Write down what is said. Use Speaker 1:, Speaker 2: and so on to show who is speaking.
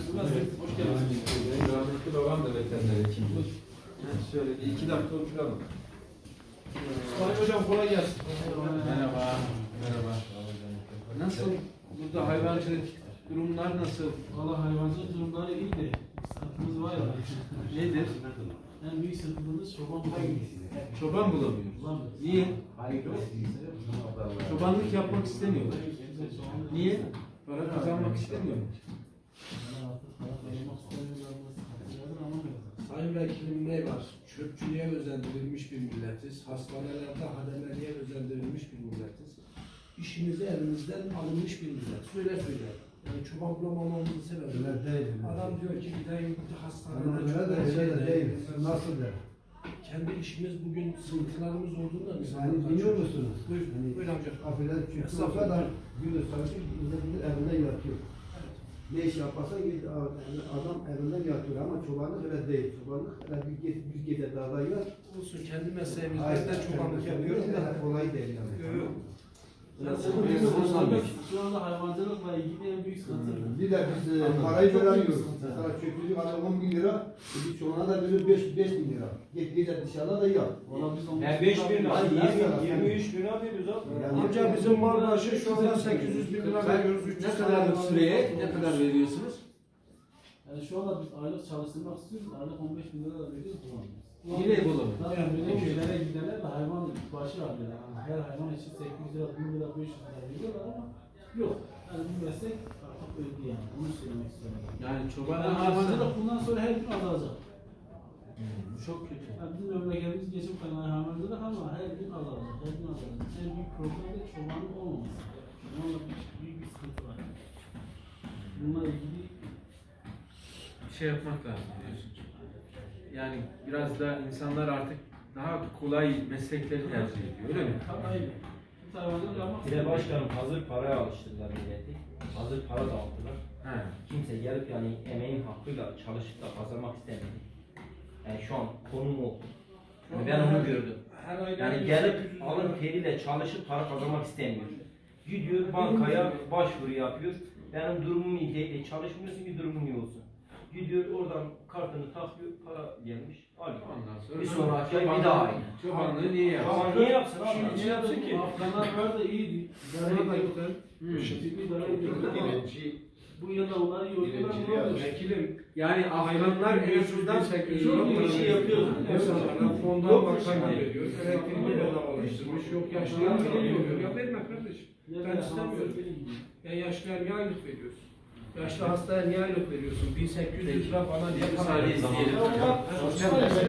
Speaker 1: Hoş geldiniz. Rahmetli babam da veteriner hekimdi. Şöyle bir 2 dakika oturalım.
Speaker 2: Sayın hocam kolay gelsin.
Speaker 1: Merhaba. Merhaba. Nasıl? Burada hayvancılık durumlar nasıl?
Speaker 2: Valla hayvancılık durumları iyi de sıkıntımız var ya.
Speaker 1: Nedir?
Speaker 2: En büyük sıkıntımız çoban bulamıyoruz.
Speaker 1: Çoban bulamıyoruz. Niye? Çobanlık yapmak istemiyorlar. Niye? Para kazanmak istemiyorlar.
Speaker 3: Sayın Vekilim ne var? Çöpçülüğe özendirilmiş bir milletiz. Hastanelerde hademeliğe özendirilmiş bir milletiz. İşimizi elimizden alınmış bir millet. Söyle. Yani çoban bulamamamızın sebebi. Adam diyor ki gideyim hastanede
Speaker 4: Öyle değil. Nasıl der?
Speaker 3: kendi işimiz bugün sıkıntılarımız olduğunda
Speaker 4: Yani biliyor musunuz?
Speaker 3: Buyur amca.
Speaker 4: Afiler çünkü o kadar günü sanki evinde yatıyor. Ne iş yaparsan git, adam evinde yatıyor ama çobanlık öyle değil. Çobanlık öyle bir gece dağda yat.
Speaker 3: Olsun kendi mesleğimizde de çobanlık yapıyoruz da.
Speaker 4: Kolay değil yani.
Speaker 3: Yok.
Speaker 2: Şu anda hayvancılıkla ilgili en büyük sıkıntı.
Speaker 4: Bir de biz parayı veremiyoruz. Mesela çöpçülük alıyor 10 bin lira, bir çoğuna da verir 5 bin lira. Gece dışarıda da yat.
Speaker 2: Valla biz onu...
Speaker 5: Yani 5 bin lira,
Speaker 4: Yani
Speaker 5: 23 bin lira veriyoruz abi.
Speaker 3: Amca bizim mal başı şu anda 800 bin lira veriyoruz.
Speaker 1: Ne kadar süreye ne kadar veriyorsunuz?
Speaker 2: Yani şu anda biz aylık çalıştırmak istiyoruz. Aylık 15 bin lira da veriyoruz. Bulamıyoruz.
Speaker 1: Yine bulamıyoruz.
Speaker 2: Zaten böyle köylere gidenler de hayvan başı alıyorlar. Yani her hayvan için 800 lira, 1000 lira, 500 lira veriyorlar ama yok. Yani bu meslek artık öldü yani. Onu söylemek istiyorum.
Speaker 1: Yani çoban
Speaker 2: Yani hayvancılık bundan sonra her gün azalacak.
Speaker 1: Bu çok kötü.
Speaker 2: Yani bizim memleketimiz geçim kaynağı hayvancılık ama her gün azalacak. Her gün azalacak. En büyük problem de çobanın olmaması. Çobanla büyük bir sıkıntı var. Bununla ilgili
Speaker 1: Bir şey yapmak lazım diyorsun. Yani biraz da insanlar artık daha kolay meslekleri tercih ediyor, öyle mi?
Speaker 2: aynen. Bu hayvancılık yapmak
Speaker 5: Bir de başkanım hazır paraya alıştırdılar milleti. Hazır para dağıttılar.
Speaker 1: He.
Speaker 5: Kimse gelip yani emeğin hakkıyla çalışıp da kazanmak istemedi. Yani şu an konum o. Yani ben onu gördüm. Yani gelip alın teriyle çalışıp para kazanmak istemiyor. Gidiyor bankaya başvuru yapıyor. Benim durumum iyi değil. Çalışmıyorsun ki durumun iyi olsun. Gidiyor oradan kartını takıyor, para gelmiş, alıyor.
Speaker 1: Ondan sonra
Speaker 5: Bir sonraki ay bir daha aynı.
Speaker 1: çobanlığı niye yapsın?
Speaker 5: Ama niye yapsın abi?
Speaker 2: Şimdi
Speaker 5: Niye yapsın ki?
Speaker 2: Afganlar var da iyiydi. Zarar da yoktu. Ciddi zarar yoktu. Bu yılda onları yordular.
Speaker 3: Vekilim
Speaker 1: Yani Afganlar en azından
Speaker 2: Çok iyi bir şey yapıyordu.
Speaker 3: insanlara fondan bakan veriyor. Elektriğini bedavalaştırmış. Yok yaşlılar veriyor. Ya verme kardeşim. Ben istemiyorum. Ya yaşlıya niye aylık veriyorsun? Yaşlı hastaya niye aylık veriyorsun? 1800 lira bana diye para
Speaker 1: müsaade
Speaker 3: veriyorsun.
Speaker 1: isteyelim.